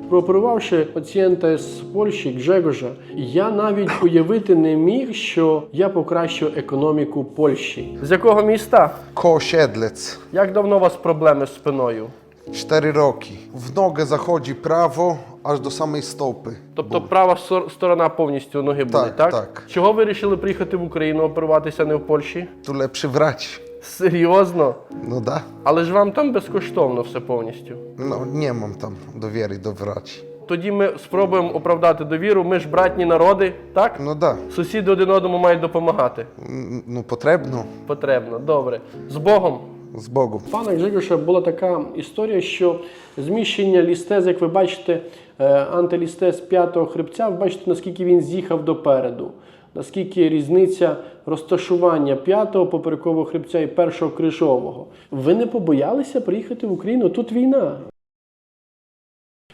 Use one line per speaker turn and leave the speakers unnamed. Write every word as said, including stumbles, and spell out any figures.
Прооперувавши пацієнта з Польщі, Гжегожа, я навіть уявити не міг, що я покращу економіку Польщі. З якого міста?
Koło-Siedlec.
Як давно у вас проблеми з спиною?
Cztery roki. W nogę zachodzi prawo, aż do samej stopy.
Тобто права сор- сторона повністю ноги були,
Так,
так?
так.
Чого ви вирішили приїхати в Україну оперуватися, не в Польщі?
Tu lepszy wrać.
Серйозно?
No da.
Але ж вам там безкоштовно все повністю.
No nie mam tam dowiery do wraci.
Тоді ми спробуємо оправдати довіру. Ми ж братні народи, так?
No da.
Сусіди один одному мають допомагати.
N- No potrzebno.
Потрібно. Добре. З Богом.
Z Bogiem.
Пана Гжегоша була така історія, що зміщення лістез, як ви бачите, е, антилістез п'ятого хребця, ви бачите, наскільки він з'їхав допереду. Наскільки різниця розташування п'ятого поперекового хребця і першого крижового. Ви не побоялися приїхати в Україну? Тут війна.